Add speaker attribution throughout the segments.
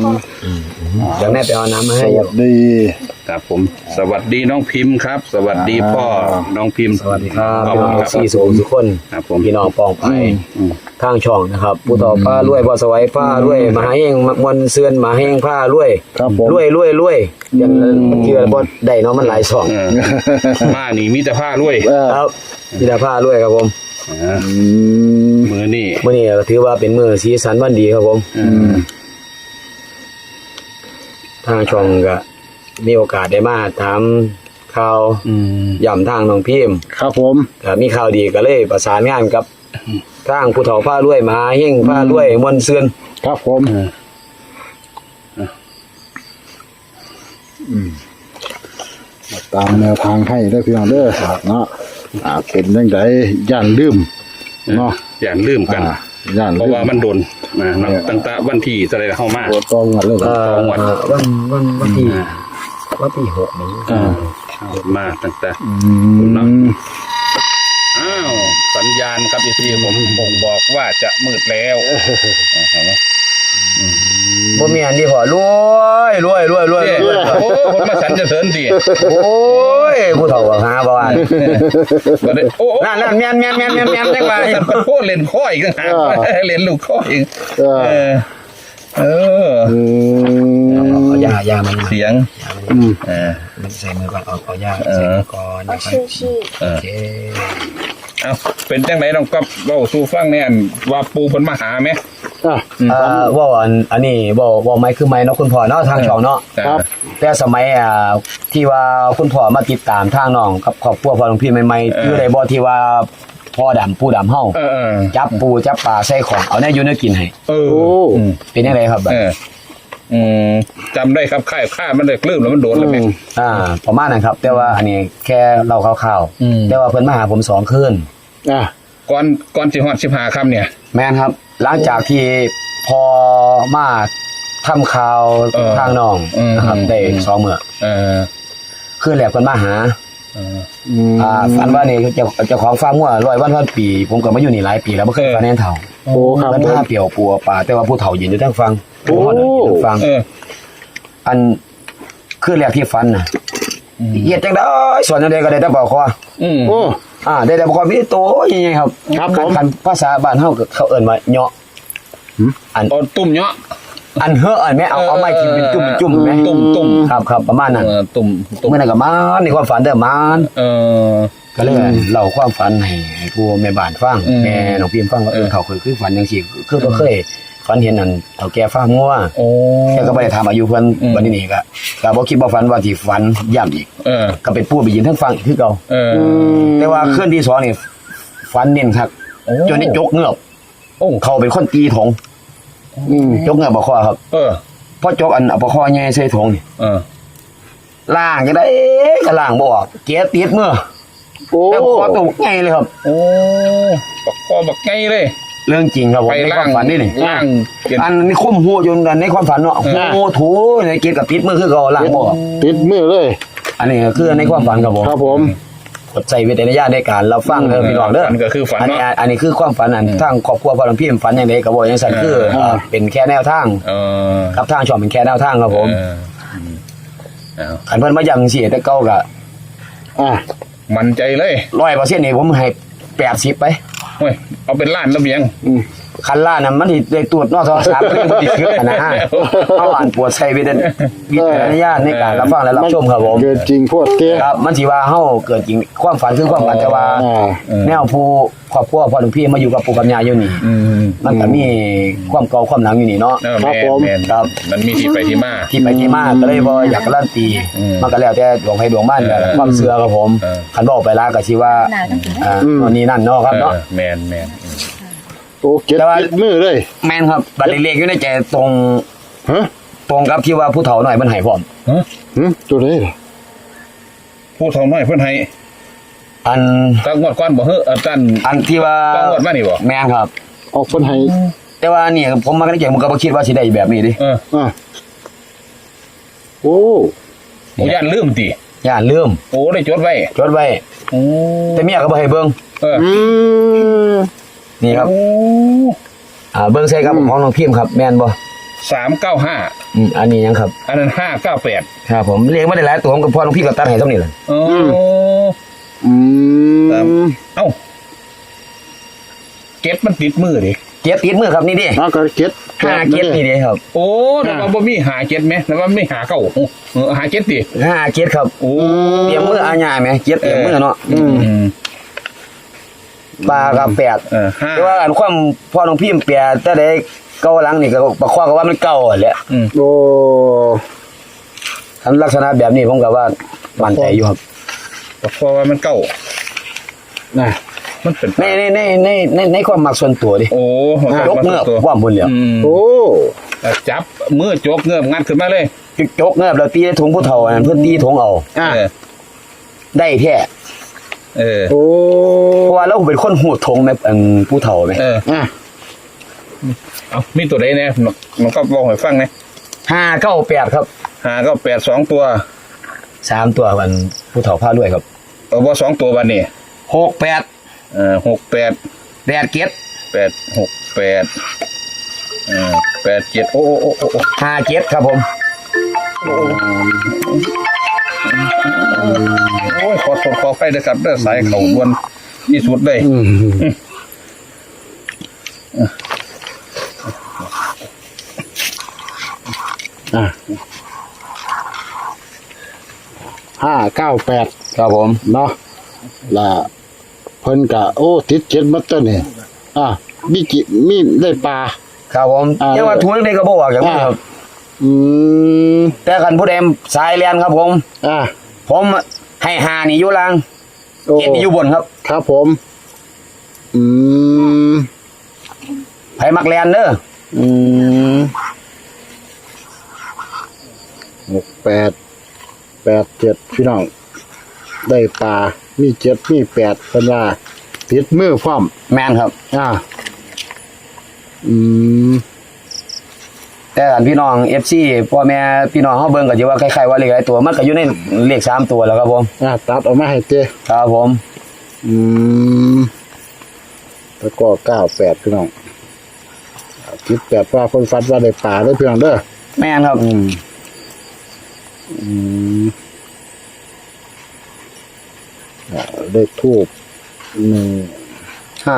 Speaker 1: เดี๋ยวแม่ไปเอาน้ำมา
Speaker 2: ส
Speaker 1: ให้
Speaker 2: วัสดี
Speaker 3: ครับผมสวัสดีน้องพิมพ์ครับ สวัสดีพ่อน้องพิมพ์
Speaker 1: สวัสดีครับ
Speaker 3: ขอบ
Speaker 1: พี่
Speaker 3: คุ
Speaker 1: น้
Speaker 3: ณ
Speaker 1: อง
Speaker 3: ครับ
Speaker 1: สี่สูงทุกคน
Speaker 3: ครับผม
Speaker 1: พี่น้องปองไป
Speaker 3: อืม
Speaker 1: ทางช่องนะครับผู้ต่อผ้ารวยพอสวัยผ้ารวยมหาเฮงมวลเสือนมหาเฮงผ้ารวย
Speaker 2: ครับผม
Speaker 1: รวยอย่างนั้นเชื่อบ่ได้เนาะมันหลายช่อง
Speaker 3: เออมานี่มีแต่ผ้ารวย
Speaker 1: ครับมีแต่ผ้ารวยครับผม
Speaker 3: อ่ามือนี่
Speaker 1: มื้อนี้ก็ถือว่าเป็นมื้อสีสันวันดีครับผมทางช่องก็มีโอกาสได้มาถามข่าวย่ำทางน้องพิมพ์
Speaker 2: ครับผม
Speaker 1: ก็มีข่าวดีก็เลยประสานงานกับทางผู้เฒ่าผ้ารวยมหาเฮงผ้ารวยมวลเสือน
Speaker 2: ครับผมตามแนวทางให้ได้พี่น้องเด้อเนาะเป็นยังไงย่านลืมเนาะ
Speaker 3: อย่าลืมกัน
Speaker 2: ย่าน
Speaker 3: เพ
Speaker 2: ลื
Speaker 3: ราะ
Speaker 2: ม
Speaker 3: ว่ามันโดนนะตั้งแต่วันที่อะไรเข้ามา
Speaker 2: ตัวตรงกันเลย
Speaker 1: วันที่6นี้
Speaker 3: มาตั้งแต่อ้าวสัญญาณครับที่ผมบ่งบอกว่าจะมืดแล้วเห็นไหม
Speaker 1: บ่มีอันนี้พอรวย
Speaker 3: โอ้คนมาสันจะเสริญดิ
Speaker 1: โอ้ยผู้เฒ่าก็หาบ่ว่า
Speaker 3: โอ้
Speaker 1: นั่นแม่นจังว่า
Speaker 3: โอ้เล่นข้ออีกต่างหากเล่นลูกข้ออีก
Speaker 1: เอายามัน
Speaker 3: เสียง
Speaker 1: มันใส่มือก่อนเอายาใส่มือก่อนนะครับโอเค
Speaker 3: เอาเป็นจังไหนน้องกับเว้าสู่ฟังเนี่ยว่าปูเพิ่นมาหาไหม
Speaker 1: ว่าอันนี้ว่าไม้คือไม้เนาะคุณพ่อเนาะทางช่องเนาะ
Speaker 2: ครับ
Speaker 1: แต่สมัยที่ว่าคุณพ่อมาติดตามทางน้องกับครอบครัวพ่อหลวงพี่ใหม่ๆอยู่ได้บ่ที่ว่าพ่อดำปูดำเฮาจับปูจับปลาใส่ของเอาแน่อยู่เนื้อกินให้
Speaker 2: โอ้
Speaker 1: เป็นจังไดครับ
Speaker 3: จำได้ครับค่ายมันเลยลืมแล้วมันโดนแล้วแม่
Speaker 1: ประมาณนั้นครับ แต่ว่าอันนี้แค่เล่าคร่าวๆแต่ว่าเพิ่นมาหาผม2คืน
Speaker 3: ก่อนสิฮอด15ค่ำเนี่ย
Speaker 1: แม่นครับ หลังจากที่พอมาทำข่าวทางน้องนะครับได้2มื้อคืนแรกเพิ่นมาหาฝันว่านี่เจ้าของฟาร์มงัว100 วันพันปีผมก็มาอยู่นี่หลายปีแล้วบ่เคยฝันเห็นเฒ่า
Speaker 2: โอ้ครับ
Speaker 1: เพิ่นพาเปี่ยวปัวป่าแต่ว่าผู้เฒ่ายืนอยู่ทางฟังผู้เฒ่ายืนอยู่ทางฟังอันคืนแรกที่ฝันน่ะเฮ็ดจังได๋ส่วนจังได๋ก็ได้แต่บ่คอ
Speaker 2: โอ้
Speaker 1: ได้แต่บ่คอมีโตใหญ่ๆครับ
Speaker 2: ครับผม
Speaker 1: คันภาษาบ้านเฮาก็เขาเอิ้นว่าเหาะอัน
Speaker 3: ตอนตุ่มเนาะ
Speaker 1: อันเฮอะอันแม่เอาไม้ที่เป็นจุ่มๆแม่
Speaker 3: ตุ่ม
Speaker 1: ครับประมาณนั้น
Speaker 3: ตุ่ม
Speaker 1: เมื่อนั้นก็มานในความฝันเด้อมานก็เลยเล่าความฝันให้ผู้แม่บ้านฟังแม่น้องพิมฟังว่าเขาคือฝันจังซี่คือบ่เคยฝันเห็นนั่นเฒ่าแก่ฟาร์มงัวแกก็บ่ได้ถามอายุเพิ่นบัดนี้ก็บ่คิดบ่ฝันว่าสิฝันย้ำอีกก็เป็นผู้ไปยืนทั้งฟังคือเก่าแต่ว่าคืนที่2นี่ฝันเน้นคักจนได้จกเงือบเขาเป็นคนตีถงจกเงือบบ่คอครับพอจกอันเอาบ่คอใหญ่ใส่ถงนี่ล้างจังได๋ก็ล้างบ่ออกเกลียดติดมือแล้วคอตกใหญ่เลยครับ
Speaker 3: บักคอบักไงเลย
Speaker 1: เรื่องจริงครับผมในความฝันนี่
Speaker 3: ล่าง
Speaker 1: อันนี้คุ้มหัวอยู่ในความฝันเนาะหัวถูในเกลียดกับติดมือคือเขาล้างบ่ออก
Speaker 2: ติดมือเลย
Speaker 1: อันนี้คือในความฝันครับผม
Speaker 2: ครับผม
Speaker 1: กดใจวิจารณญาณในการเราฟังเด้อพี่น้องเด้อ
Speaker 3: ก็คือฝัน
Speaker 1: อันนี้คือความฝันอันทางครอบครัวพ่อหลวงพี่ฝันอย่างไรก็บ่อย่างซั่นคือเป็นแค่แนวทางกับทางช่องเป็นแค่แนวทางครับผมคันเพิ่นมาย้ำสิแต่เก่าก็
Speaker 3: มั่นใจเลย
Speaker 1: 100%นี่ผมให้80ไป
Speaker 3: เฮ้ยเอาเป็นล้านแล้วเบียง
Speaker 1: คันล่าน่ะมันสิได้ตรวจนอกโทรศัพท์มันสิเชื่อนะเอาอ่านปวดใส่วิจารณญาณในการรับฟังและรับชมครับผม
Speaker 2: เกิดจริงพวดเตี้ย
Speaker 1: ครับมันสิว่าเฮาเกิดจริงความฝันคือความฝันแต่ว่าแนวผู้ครอบครัวพ่อหลวงพี่มาอยู่กับปู่กับย่าอยู่นี่มันก็มีความเก่าความหลังอยู่นี่เนาะ
Speaker 3: ครับผมครับมันมีที่ไปที่มา
Speaker 1: ก็เลยบ่อยากการันตีมันก็แล้วแต่ดวงใครดวงมันแหละความเชื่อครับผมคันบอกไปลาก็สิว่าวันนี้นั่นเนาะครับเนาะ
Speaker 3: แมน
Speaker 2: โอ้เก็บติดมือเลย
Speaker 1: แม่นครับบัดเล็กๆอยู่ในใจตรงกับที่ว่าผู้เฒ่าหน่อยมันให้พร้อม
Speaker 2: ตัวนี้เหรอ
Speaker 3: ผู้เฒ่าน้อยเพิ่นให้
Speaker 1: อัน
Speaker 3: ตั้งงวดก่อนบ่เฮ้ออาจารย์
Speaker 1: อันที่ว่า
Speaker 3: ตั้งงวดมานี่บ่
Speaker 1: แม่นครับ
Speaker 2: ออกเพิ่นให้
Speaker 1: แต่ว่านี่ผมมาในใจผมก็บ่คิดว่าสิได้แบบนี้ดิ
Speaker 2: โอ้
Speaker 3: ย่านลืมติ
Speaker 1: ย่านลืม
Speaker 3: โอ้ได้จดไว้
Speaker 1: แต่เมียก็บ่ให้เบิ่งนี่ครับเบิ่งใส่กับของน้องพิมพ์ครับแม่นบ่
Speaker 3: 395
Speaker 1: อันนี้ยังครับ
Speaker 3: อันนั้น598
Speaker 1: ครับผมเรียกไม่ได้หลายตัวผมกับพ่อหลวงพี่กับตัดให้เท่านี้แหละ
Speaker 3: โอ้
Speaker 2: อืม
Speaker 3: เอ้าเก็ตมันติดมือดิ
Speaker 1: เก็บติดมือครับนี่ดิ
Speaker 2: เอาก็เก็ต
Speaker 1: 5เก็บนี่ดิครับ
Speaker 3: โอ้แล้วว่าบ่มีหาเก็ตไหมแล้วว่าไม่หาเก้าหาเก็ตดิ
Speaker 1: 5เก็บครับ
Speaker 3: โอ้
Speaker 1: เตรียมมืออาญาไหมเก็บเตรียมมือเนาะ
Speaker 3: อืม
Speaker 1: ปลากับ8
Speaker 3: ห้า
Speaker 1: แต่ว่าอันความพ่อหลวงพี่แปดแต่ได้เก่าหลังนี่ก็ประคองก็ว่ามันเก่าแหละ
Speaker 2: โอ้
Speaker 1: อันลักษณะแบบนี้ผมก็ว่ามั่นใจอยู่ครับ
Speaker 3: เพราะว่ามันเก้า
Speaker 2: น่ะ
Speaker 3: มันเป็น
Speaker 1: ในความมักส่วนตัวดิ
Speaker 3: โอ้
Speaker 1: ยกเงือบความบุญเหลียว
Speaker 2: โอ้
Speaker 3: จับมือจกเงือบงัดขึ้นมาเลย
Speaker 1: ยกเงือบแล้วตีในถุงผู้เฒ่าอันเพื่อตีถุงเอา
Speaker 2: อ่ะ
Speaker 1: ได้แท้
Speaker 2: โอ้
Speaker 1: เพราะว่าเราเป็นคนหูดทงแม่อันผู้เฒ่าไหม
Speaker 2: อ่ะ
Speaker 3: เอามีตัวใดเนี่ยมันก็บอกให้ฟังนะ
Speaker 1: 598ครับ
Speaker 3: 598 2ตัว
Speaker 1: 3ตัวมันผู้เฒ่าพาด้วยครับ
Speaker 3: บ่2ตัวบัดนี้
Speaker 1: 68
Speaker 3: 68
Speaker 1: 8เก็บ
Speaker 3: 86887โอ้
Speaker 1: 5เก็บครับผม
Speaker 3: โอ้ยขอโทษขอไปนะครับเด้อสายเขาด่วนที่สุดเลย
Speaker 2: อ่ะ598
Speaker 1: ครับผม
Speaker 2: เนาะล่ะเพิ่นกะโอ้ติดเจ็ดมัดตัวนี่อ่ะมีได้ปลา
Speaker 1: ครับผมเรียกว่าทุนเล็กๆก็บ่ออกอย่างนี้ครับ
Speaker 2: อืม
Speaker 1: แต่คันผู้ใดสายเรียนครับผม
Speaker 2: อ่ะ
Speaker 1: ผมให้5นี่อยู่ล่าง
Speaker 2: โอ้
Speaker 1: เก็บนี่อยู่บนครับ
Speaker 2: ครับผม อืม
Speaker 1: ไผมักเรียนเด้อ
Speaker 2: อืม6887พี่น้องได้ปลามี7มี8เพิ่นว่าติดมือพร้อม
Speaker 1: แม่นครับ
Speaker 2: อ่ะอืม
Speaker 1: แต่อันพี่น้อง FC พ่อแม่พี่น้องเฮาเบิ่งก็สิว่าคล้ายๆว่าเลขหลายตัวมันก็อยู่ในเลข3ตัวแล้วครับผม
Speaker 2: อ่ะตัดออกมาให้เจ้
Speaker 1: ครับผม
Speaker 2: อืมแล้วก็98พี่น้อง18ว่าคนฟัดว่าได้ปลาได้เพียงเด้อ
Speaker 1: แม่นครับ
Speaker 2: อืมเลขทูบ
Speaker 1: 5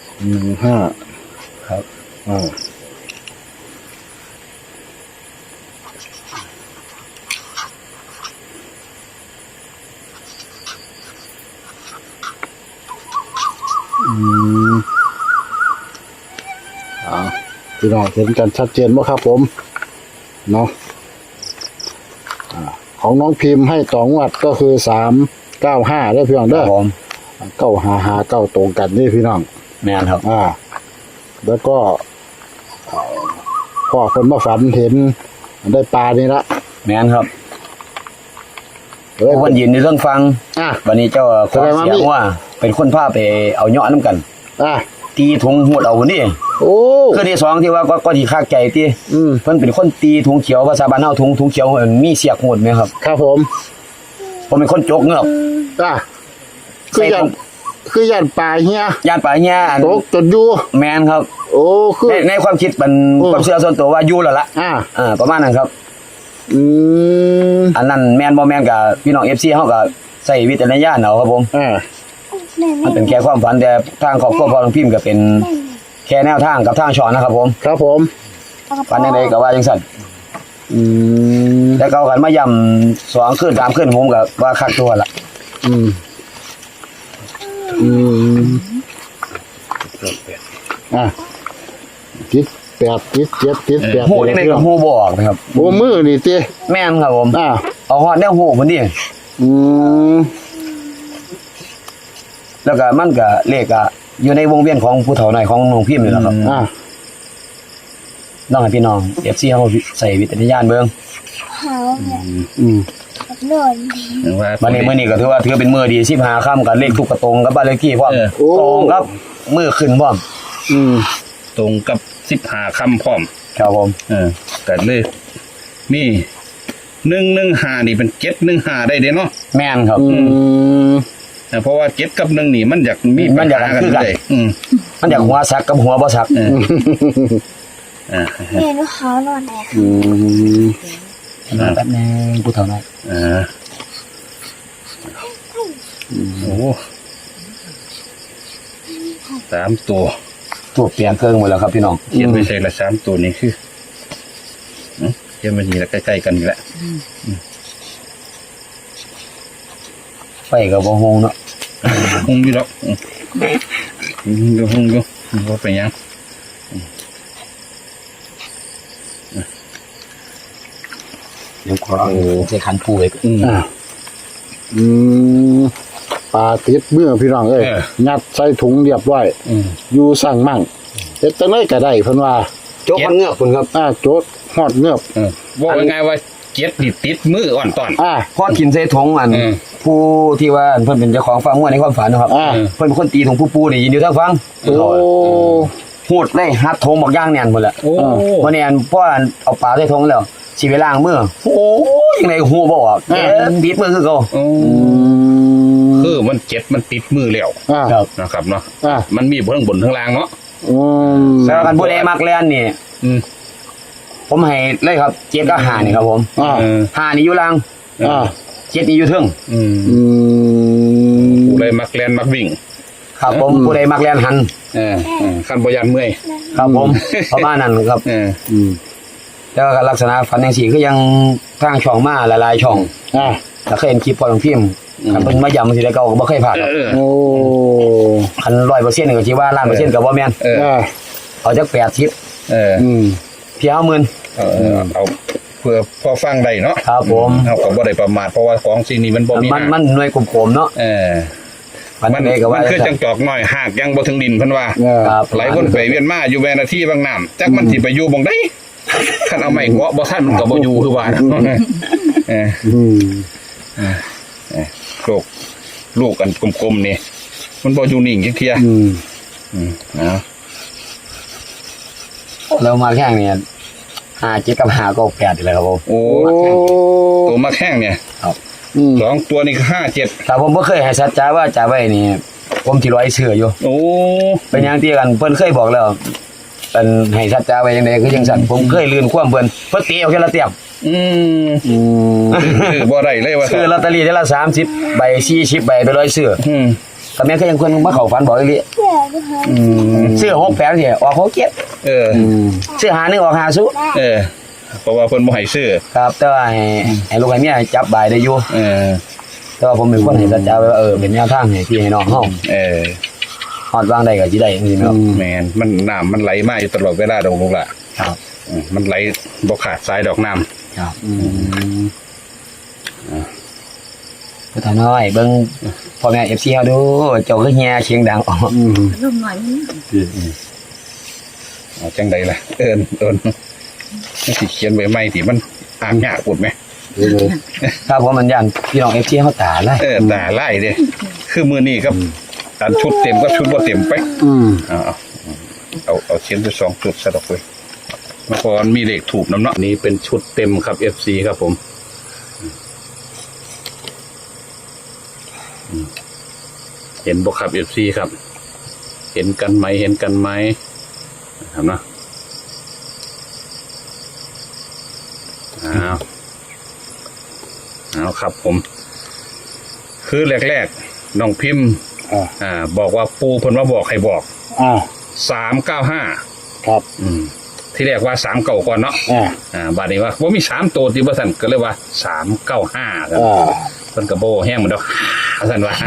Speaker 2: 115
Speaker 1: ครับ
Speaker 2: อ่าพี่น้องเห็นกันชัดเจนไหมครับผมเนาะของน้องพิมพ์ให้ต่องวดก็คือ395ได้พี่น้อง
Speaker 1: ค
Speaker 2: เด้
Speaker 1: รั
Speaker 2: อบ
Speaker 1: ผม
Speaker 2: 955 9ตรงกันนี่พี่น้อง
Speaker 1: แม่นครับ
Speaker 2: แล้วก็พ่อคนมาฝันเห็นได้ปลานี่ละ
Speaker 1: แม่นครับ
Speaker 2: เอ้ย
Speaker 1: คนยืนในเรื่องฟัง
Speaker 2: อ่ะ
Speaker 1: วันนี้เจ้าขอ
Speaker 2: แสดงว่า
Speaker 1: เสียงว่าเป็นคนพาไปเอาเหยาะน้ำกัน
Speaker 2: อ่ะ
Speaker 1: ตีถุงหวดเอาคนนี้
Speaker 2: โอ้
Speaker 1: คือที่2ที่ว่าก็ที่คากใจที่
Speaker 2: อืม
Speaker 1: เพิ่นเป็นคนตีถุงเขียวภาษาบ้านเฮาถุงเขียวมีเสียกหวดไหมครับ
Speaker 2: ครับผม
Speaker 1: ผมเป็นคนจกเงือบ
Speaker 2: อ่ะคือยันปลาเฮีย
Speaker 1: ย่านป่าแย่อัน
Speaker 2: ตกจนอยู่
Speaker 1: แม่นครับ
Speaker 2: โอ้คือ
Speaker 1: ในความคิดมัน
Speaker 2: อืม
Speaker 1: ความเชื่อส่วนตัวว่าอยู่แล้วล่ะ ประมาณนั้นครับ
Speaker 2: อืม
Speaker 1: อันนั้นแม่นบ่แม่นกับพี่น้อง FC เฮาก็ใส่วิจารณญาณเอาครับผม มันเป็นแค่ความฝันแต่ทางครอบครัวพ่อหลวงพิมพ์ก็เป็นแค่แนวทางกับทางช่องนะครับผม
Speaker 2: ครับผม
Speaker 1: ฝันจังไดก็ว่าจังซั่น
Speaker 2: อืม
Speaker 1: แต่เขากันมาย่ำ2คืน3คืนผมก็ว่าคักตัวละ
Speaker 2: อืมอืมอ่ะติด8ติด7ติด8
Speaker 1: ฮู้จังไดก็ฮู้บ่ออกนะครับ
Speaker 2: โอ้มือนี่ติ
Speaker 1: แม่นครับผม
Speaker 2: อ่ะ
Speaker 1: เอาฮอดแนวฮู้พุ่นนี่
Speaker 2: อืม
Speaker 1: แล้วก็มันก็เลขก็อยู่ในวงเวียนของผู้เฒ่าน้อยของน้องพิมพ์นี่แหละครับ
Speaker 2: อ่ะ
Speaker 1: น้องให้พี่น้อง FC เฮาใส่วิจารณญาณเบิ่ง
Speaker 4: เขาเนี่ย
Speaker 2: อืม
Speaker 4: กับโดนดี
Speaker 1: วันนี้มื้อนี้ก็ถือว่าเป็นมื้อดี15ค่ำกับเลขทุกกระตรงกับบ้านเลขที่พร้อม
Speaker 2: โอ้
Speaker 1: ตรงครับมื้อขึ้นพร้อม
Speaker 2: อืม
Speaker 3: ตรงกับ15คำพร้อม
Speaker 1: ครับผม
Speaker 3: กันเลยมี115นี่เป็น715ได้เด้เนาะ
Speaker 1: แม่นครับ
Speaker 2: อืม
Speaker 3: เพราะว่า7กับ1นี่มันอยากมี
Speaker 1: มันอยาก
Speaker 3: ปัญห
Speaker 1: คือกัน
Speaker 3: เลย
Speaker 1: มันอยากหัวซักกับหัวบ่ซัก
Speaker 3: เออ
Speaker 4: เห็นเขานอนไหน
Speaker 1: แป๊บนึงผู้เฒ่าน้อย
Speaker 3: โอ้3 ตัว
Speaker 1: ตัวเปลี่ยนเครื่องหมดแล้วครับพี่น้อง
Speaker 3: เขียนไม่ใช่ละ3 ตัวนี้คือเขียนมานี่ละใกล้ๆกันนี่แหละ
Speaker 1: ไฟกับบ่ฮงเนาะ
Speaker 3: หงอยู่ดอกหงอยู่ว่าไปยัง
Speaker 1: เดี๋ยวขอเอาใส่ขันปูไว้ก่อน
Speaker 2: ปลาติดเมื่อพี่น้องเอ้ยงัดใส่ถุงเรียบร้อยอยู่สั่งมั่งเฮ็ดจังได๋ก็ได้เพิ่นว่า
Speaker 1: โจ๊กมันเงือกคุณครับ
Speaker 2: โจดฮอดเงือบ
Speaker 3: ว่ายังไงว่าเจ็ดนี่ติดมืออ่อนตอน
Speaker 1: พอกินใส่ถุงผู้ที่ว่าเพิ่นเป็นเจ้าของฟาร์มงัวในความฝันนะครับเพิ่นเป็นคนตีถุงผู้ปูนี่ยินอยู่ทางฟัง
Speaker 2: โอ้
Speaker 1: หูดเลยฮัดถุงบอกย่างแน่นหมดแหละ
Speaker 3: โอ้
Speaker 1: วันนี้พ่อเอาปลาใส่ถุงแล้วสิไปล้างมือโอ้ยยังไงหูบ่ออกติดมือคือเก่า
Speaker 3: คือมันเจ็ดมันติดมือแล้ว
Speaker 1: ครับ
Speaker 3: นะครับเนาะมันมีทั้งบนทั้งล่างเนาะ
Speaker 1: แล้วกันผู้ใดมักแล่นนี่ผมให้เลยครับเจ็ดก็หานี่ครับผมหานี่อยู่ล่างเจ็ดนี่อยู่เทิง
Speaker 3: ผู้ใดมักแลนมักวิ่ง
Speaker 1: ครับผมผู้ใดมักแล่นหัน
Speaker 3: ขั้นบยันเมื่อย
Speaker 1: ครับผมประมาณนั้นครับแล้วก็ลักษณะฝันจังซี่คือยังทางช่องมาหลายๆช่องแล้วเคยเห็นคลิปพอของพิมพ์คันเพิ่นมาย้ำสิได้เก่าก็บ่เคยพลาดครับ
Speaker 2: โอ้
Speaker 1: คัน 100% นี่ก็สิว่าล้านเปอร์เซ็นต์ก็บ่แม่นเอาจัก80เพียง10,000
Speaker 3: เอาเพื่อพอฟังได้เนาะ
Speaker 1: ครับผม
Speaker 3: เอาก็บ่ได้ประมาทเพราะว่าของสิ่งนี้มันบ่มี
Speaker 1: มันหน่วยกลมๆเนาะมันเด้ก็ว่า
Speaker 3: คือจังจอกน้อยหากยังบ่ถึงดินเพิ่นว่า
Speaker 1: ครับ
Speaker 3: หลายคนไปเวียนมาอยู่แวนาทีบางน้ำจักมันสิไปอยู่บ่งได้คันเอาไม้เกาะบ่ทันมันก็บ่อยู่คือว่าลูกกันกลมๆนี่มันบ่อยู่นิ่งจักเที่ย
Speaker 1: เรามาแข่งเนี่ย5 7กับ5ก็8นี่แหละครับผม
Speaker 3: โอ้ตัวมาแข้งเนี่ย2 ตัวนี่คือ5 7
Speaker 1: แต่ผมบ่เคยให้สัจจาว่าจะไว้นี่ผมสิร้อยเชื่ออยู่
Speaker 3: โอ้
Speaker 1: เป็นอย่างที่กันเพิ่นเคยบอกแล้วเป็นให้สัจจาไว้จังได๋คือจังซั่นผมเคยลืนความเพิ่นเตะเอาแค่ละเตียบ
Speaker 3: คือบ่ได้เลยว่า
Speaker 1: ซื้อลอตเตอรี่ได้ละ30ใบ40ใบไปร้อยซื้อก็แม่นคือยังเพิ่นมาเข้าฝันบอกอีหลีซื้อ68สิออก67ซื้อ51ออก50
Speaker 3: เพราะว่าเพิ่นบ่ให้ซื้อ
Speaker 1: ครับแต่ว่าให้ลูกให้เมียจับใบได้อยู่แต่ว่าผมเป็นคนให้สัจจาไว้ว่าเป็นแนวทางให้พี่ให้น้องเฮาฮอดวางได้ก็สิได้จังซี่เนาะ
Speaker 3: แม่นมันน้ำมันไหลมาอยู่ตลอดเวลาดอกลูกล่ะ
Speaker 1: ครับ
Speaker 3: มันไหลบ่ขาดสายดอกน้ำ
Speaker 1: ครับผู้ถาน้อยเบิ่งพ่อแม่ FC เฮาดูเจ้าคือแฮเสียงดังออก
Speaker 5: ลมหน่อย
Speaker 3: เอาจังได๋ล่ะเอิ้นมันสิเขียนไว้ใหม่ที่มันอ่านยากพูดมั้ย
Speaker 1: ครับผมมันย่านพี่น้อง FC เฮาตาลาย
Speaker 3: ตาลายเด้คือมื้อนี้ครับอันชุดเต็มก็ชุดบ่เต็มไปเอาเขียนไป2ชุดซะดอกเว้ยเมื่อก่อนมีเลขถูกน้ำเนาะนี่เป็นชุดเต็มครับ FC ครับผมเห็นบ่ครับ FC ครับเห็นกันไหมครับนะเอาครับผมคือแรกๆน้องพิมพ์บอกว่าปูเพิ่นว่าบอกให้บอก395
Speaker 2: ครับ
Speaker 3: ที่แรกว่า3เก่าก่อนเนาะบัดนี้ว่าบ่มี3ตัวที่บ่ซั่นก็เลยว่า395ครับเพิ่นก็บ่แห้งเหมือนดอกซั่นว่า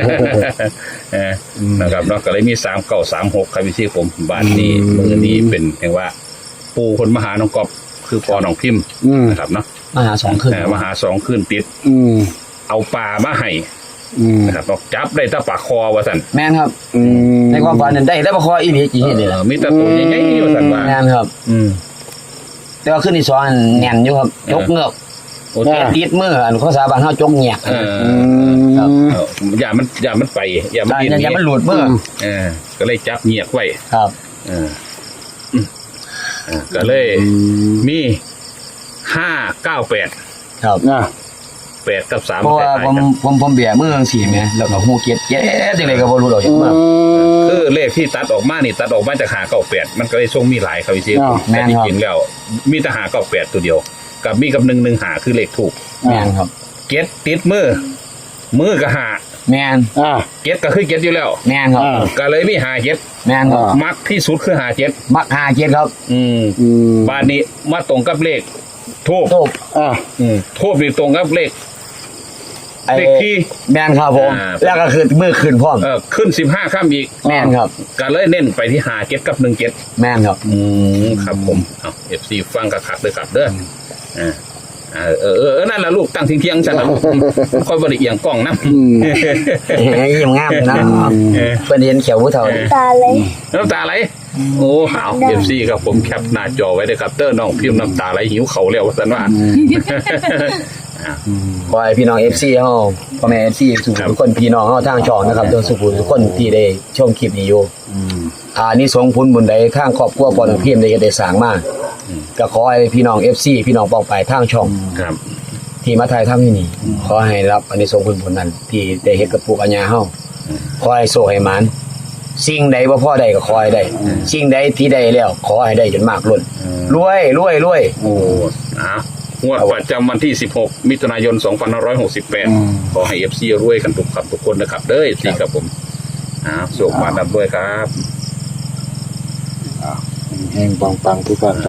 Speaker 3: นะครับเนาะก็เลยมี3เก่า36ครับพี่ผมบัดนี้มื้อนี้เป็นจังว่าปูเพิ่นมาหาน้องกอบคือพ่อน้องพิมพ์นะครับเนาะ
Speaker 1: มาหา2คืน
Speaker 3: มาหา2คืนติดเอาปลามาให้นะครับจับได้แต่ปลาคอว่าซั่น
Speaker 1: แม่นครับในความฝันนั้นได้แต่ปลาคออีหลีจริงๆนี่แหละ
Speaker 3: มีแต่ตัวใหญ่ๆว่าซั่นว่า
Speaker 1: แม่นครับแต่ว่าขึ้นที่2แน่นอยู่ครับยกเงือกติดมืออันภาษาบ้านเฮาจกเงียก
Speaker 3: ครับอย่ามันไปอย่า
Speaker 1: มันหลุดมือ
Speaker 3: ก็เลยจับเงียกไว้
Speaker 1: ครับ
Speaker 3: ก็เลยมี598
Speaker 1: ครับ
Speaker 3: 8กับ3
Speaker 1: เพราะว่าผมแบมือจังซี่แหมแล้วก็ฮู้เก็ดจังได๋ก็บ่รู้ดอกจังว่า
Speaker 3: คือเลขที่ตัดออกมานี่ตัดออกมาจาก598มันก็เลยทรงมีหลายครับพี่ซิแต่จริงๆแล้วมีแต่598ตัวเดียวกับมีกับ115คือเลขถูก
Speaker 1: แม่นครับ
Speaker 3: เก็ดติดมือก็5
Speaker 1: แม่น
Speaker 3: เก็ดก็คือเก็ดอยู่แล้ว
Speaker 1: แม่นครับ
Speaker 3: ก็เลยมี5เก็ด
Speaker 1: แม่นครับ
Speaker 3: มักที่สุดคือ5เก็ด
Speaker 1: มัก5เก็ดครับ
Speaker 3: บ้านนี้มาตรงกับเลขทูบ
Speaker 1: ทูบ
Speaker 3: ทูบนี่ตรงกับเลขที่
Speaker 1: แม่นครับผมแล้วก็คือมือขึ้นพร้อม
Speaker 3: ขึ้น15ค่ำอีก
Speaker 1: แม่นครับ
Speaker 3: ก็เลยเน้นไปที่5เก็ดกับ1เก็ด
Speaker 1: แม่นครับ
Speaker 3: ครับผมเอา FC ฟังกระขัดเลยครับเด้อนั่นแหละลูกตั้งเที่ยงๆฉันนะค่อยบริเอียงกล้องนะ
Speaker 1: ยิ้มงามนะเพิ่นเห็นเขียวผู้เฒ่า
Speaker 4: ตาเลย
Speaker 3: น้ำตาไหลโอ้หาว FC ครับผมแคปหน้าจอไว้เลยครับเด้อน้องพิมพ์น้ำตาไหลหิวเขาแล้วว่าซั่นว่า
Speaker 1: ขอให้พี่น้อง FC เฮาพ่อแม่ FC ทุกคนพี่น้องเฮาทางช่องนะครับทุกคนที่ได้ชมคลิปนี้อยู่นี่สงผลบุญใดทางครอบครัวพ่อน้องพิมพ์ได้สร้างมาก็ขอให้พี่น้อง FC พี่น้องปองไปทางช่อง
Speaker 3: ครับ
Speaker 1: ที่มาถ่ายทำที่นี่ขอให้รับอันนี้ส่งผลนั้นที่ได้เฮ็ดกับปู่กับย่าเฮาขอให้โชคให้หมานสิ่งใดบ่พอได้ก็ขอให้ได้สิ่งใดที่ได้แล้วขอให้ได้จนมากล้นรวย
Speaker 3: โอ้งวดประจำวันที่16มิถุนายน2568ขอให้ FC รวยกันทุกครับทุกคนนะครับเด้อ FC ครับผมสุขมาดับด้วยครับ
Speaker 2: แห้งปังๆทุกท่าน